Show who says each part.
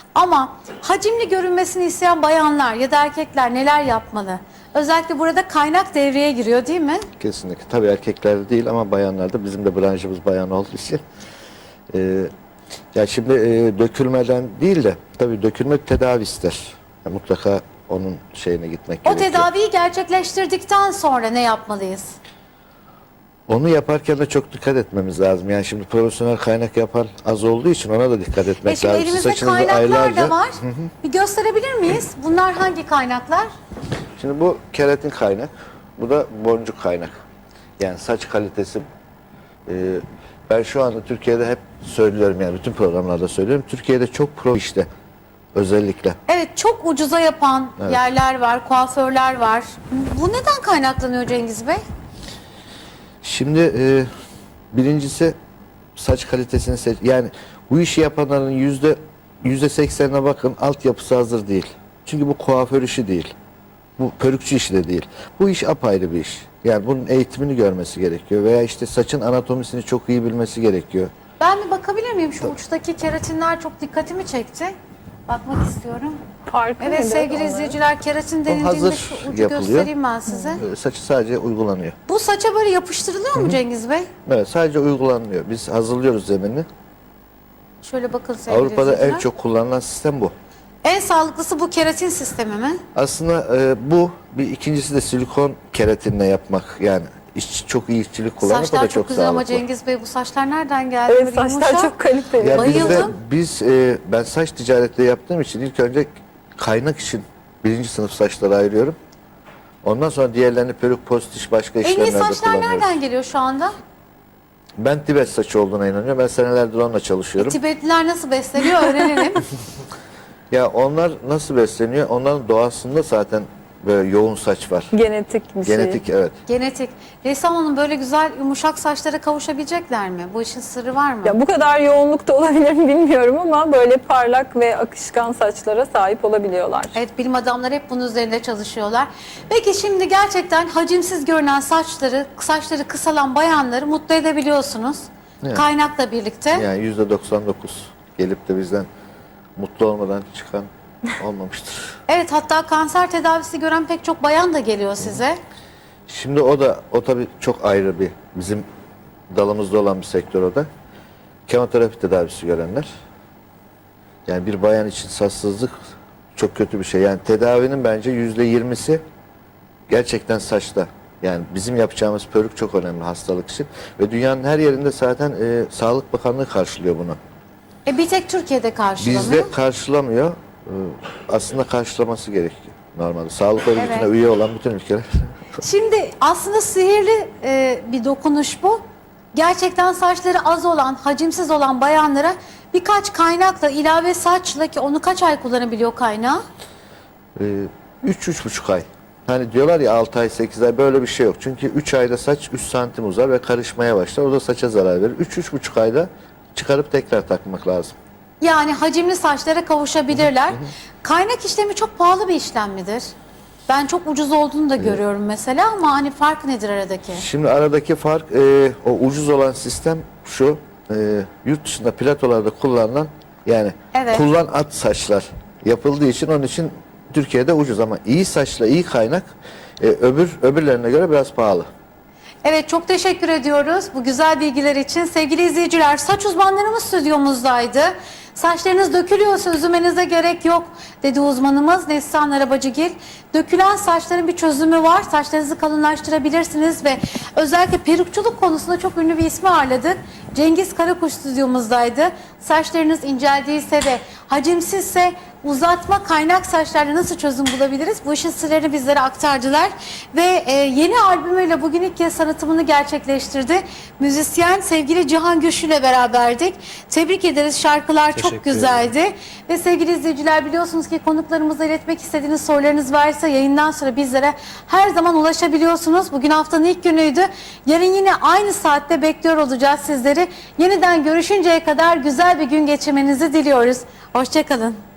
Speaker 1: Ama hacimli görünmesini isteyen bayanlar ya da erkekler neler yapmalı? Özellikle burada kaynak devreye giriyor değil mi?
Speaker 2: Kesinlikle. Tabii erkeklerde değil ama bayanlarda, bizim de branşımız bayan olduğu için. Ya şimdi dökülmeden değil de tabii dökülmek tedavi ister. Ya mutlaka onun şeyine gitmek
Speaker 1: O
Speaker 2: gerekiyor.
Speaker 1: tedaviyi gerçekleştirdikten sonra ne yapmalıyız?
Speaker 2: Onu yaparken de çok dikkat etmemiz lazım. Yani şimdi profesyonel kaynak yapan az olduğu için ona da dikkat etmek
Speaker 1: Şimdi
Speaker 2: lazım.
Speaker 1: elimizde
Speaker 2: Saçınızı
Speaker 1: kaynaklar da var.
Speaker 2: Hı hı.
Speaker 1: Bir gösterebilir miyiz? Bunlar hangi kaynaklar?
Speaker 2: Şimdi bu keratin kaynak, bu da boncuk kaynak. Yani saç kalitesi. Ben şu anda Türkiye'de hep söylüyorum, yani bütün programlarda söylüyorum. Türkiye'de çok pro işte özellikle.
Speaker 1: Evet, çok ucuza yapan yerler var, kuaförler var. Bu neden kaynaklanıyor Cengiz Bey?
Speaker 2: Şimdi birincisi saç kalitesini yani bu işi yapanların %80'ine bakın, altyapısı hazır değil. Çünkü bu kuaför işi değil. Bu perukçu işi de değil. Bu iş apayrı bir iş. Yani bunun eğitimini görmesi gerekiyor veya işte saçın anatomisini çok iyi bilmesi gerekiyor.
Speaker 1: Ben bir bakabilir miyim? Şu uçtaki keratinler çok dikkatimi çekti. Bakmak istiyorum.
Speaker 3: Farkı
Speaker 1: Evet
Speaker 3: nedir
Speaker 1: sevgili
Speaker 3: onların?
Speaker 1: izleyiciler, keratin denildiğinde
Speaker 2: hazır
Speaker 1: şu ucu
Speaker 2: yapılıyor.
Speaker 1: göstereyim ben size.
Speaker 2: Saçı sadece uygulanıyor.
Speaker 1: Bu saça böyle yapıştırılıyor mu Cengiz Bey?
Speaker 2: Evet, sadece uygulanıyor. Biz hazırlıyoruz zeminini.
Speaker 1: Şöyle bakın sevgili
Speaker 2: Avrupa'da
Speaker 1: izleyiciler.
Speaker 2: en çok kullanılan sistem bu.
Speaker 1: En sağlıklısı bu keratin sistemi mi?
Speaker 2: Aslında bu bir, ikincisi de silikon keratinle yapmak. Yani çok iyi işçilik kullanmak, o
Speaker 1: Saçlar
Speaker 2: da
Speaker 1: çok
Speaker 2: çok
Speaker 1: güzel ama
Speaker 2: sağlıklı.
Speaker 1: Cengiz Bey, bu saçlar nereden geldi?
Speaker 3: Evet,
Speaker 1: Böyle
Speaker 3: saçlar
Speaker 1: yumuşak.
Speaker 3: çok kaliteli.
Speaker 2: Ya
Speaker 1: Bayıldım.
Speaker 2: ben saç ticareti yaptığım için ilk önce kaynak için birinci sınıf saçları ayırıyorum. Ondan sonra diğerlerini peruk, postiş, başka
Speaker 1: En iyi
Speaker 2: işlemlerde
Speaker 1: saçlar
Speaker 2: kullanıyoruz.
Speaker 1: nereden geliyor şu anda?
Speaker 2: Ben Tibet saçı olduğuna inanıyorum. Ben senelerdir onunla çalışıyorum.
Speaker 1: Tibetliler nasıl besleniyor öğrenelim.
Speaker 2: Ya onlar nasıl besleniyor? Onların doğasında zaten böyle yoğun saç var.
Speaker 3: Genetik bir şey.
Speaker 2: Genetik, evet.
Speaker 1: Genetik. Ressam Hanım, böyle güzel yumuşak saçlara kavuşabilecekler mi? Bu işin sırrı var mı?
Speaker 3: Ya bu kadar yoğunlukta olabilir mi bilmiyorum ama böyle parlak ve akışkan saçlara sahip olabiliyorlar.
Speaker 1: Evet, bilim adamları hep bunun üzerinde çalışıyorlar. Peki şimdi gerçekten hacimsiz görünen saçları kısalan bayanları mutlu edebiliyorsunuz.
Speaker 2: Evet.
Speaker 1: Kaynakla birlikte.
Speaker 2: Yani %99 gelip de bizden mutlu olmadan çıkan olmamıştır.
Speaker 1: Evet, hatta kanser tedavisi gören pek çok bayan da geliyor size.
Speaker 2: Şimdi o tabii çok ayrı bir, bizim dalımızda olan bir sektör o da. Kemoterapi tedavisi görenler. Yani bir bayan için saçsızlık çok kötü bir şey. Yani tedavinin bence %20'si gerçekten saçta. Yani bizim yapacağımız peruk çok önemli hastalık için. Ve dünyanın her yerinde zaten Sağlık Bakanlığı karşılıyor bunu.
Speaker 1: Bir tek Türkiye'de karşılamıyor.
Speaker 2: Bizde karşılamıyor. Aslında karşılaması gerekiyor normalde. Sağlık Örgütü'ne
Speaker 1: Evet.
Speaker 2: üye olan bütün ülkeler.
Speaker 1: Şimdi aslında sihirli bir dokunuş bu. Gerçekten saçları az olan, hacimsiz olan bayanlara birkaç ilave saçla, ki onu kaç ay kullanabiliyor kaynağı?
Speaker 2: 3-3,5 ay. Hani diyorlar ya 6 ay 8 ay, böyle bir şey yok. Çünkü 3 ayda saç 3 santim uzar ve karışmaya başlar. O da saça zarar verir. 3-3,5 ayda çıkarıp tekrar takmak lazım.
Speaker 1: Yani hacimli saçlara kavuşabilirler. Kaynak işlemi çok pahalı bir işlem midir? Ben çok ucuz olduğunu da görüyorum mesela, ama hani fark nedir aradaki?
Speaker 2: Şimdi aradaki fark, o ucuz olan sistem şu, yurt dışında platolarda kullanılan, yani
Speaker 1: Evet.
Speaker 2: kullan at saçlar yapıldığı için, onun için Türkiye'de ucuz, ama iyi saçla iyi kaynak öbürlerine göre biraz pahalı.
Speaker 1: Evet, çok teşekkür ediyoruz bu güzel bilgiler için. Sevgili izleyiciler, saç uzmanlarımız stüdyomuzdaydı. Saçlarınız dökülüyorsa üzülmenize gerek yok dedi uzmanımız Neslihan Arabacıgil. Dökülen saçların bir çözümü var. Saçlarınızı kalınlaştırabilirsiniz ve özellikle perukçuluk konusunda çok ünlü bir ismi ağırladık. Cengiz Karakuş stüdyomuzdaydı. Saçlarınız inceldiyse ve hacimsizse uzatma kaynak saçlarla nasıl çözüm bulabiliriz? Bu işin sırrını bizlere aktardılar. Ve yeni albümüyle bugün ilk kez tanıtımını gerçekleştirdi. Müzisyen sevgili Cihan Güçlü ile beraberdik. Tebrik ederiz. Şarkılar çok güzeldi. Ve sevgili izleyiciler, biliyorsunuz ki konuklarımıza iletmek istediğiniz sorularınız varsa yayından sonra bizlere her zaman ulaşabiliyorsunuz. Bugün haftanın ilk günüydü. Yarın yine aynı saatte bekliyor olacağız sizleri. Yeniden görüşünceye kadar güzel bir gün geçirmenizi diliyoruz. Hoşça kalın.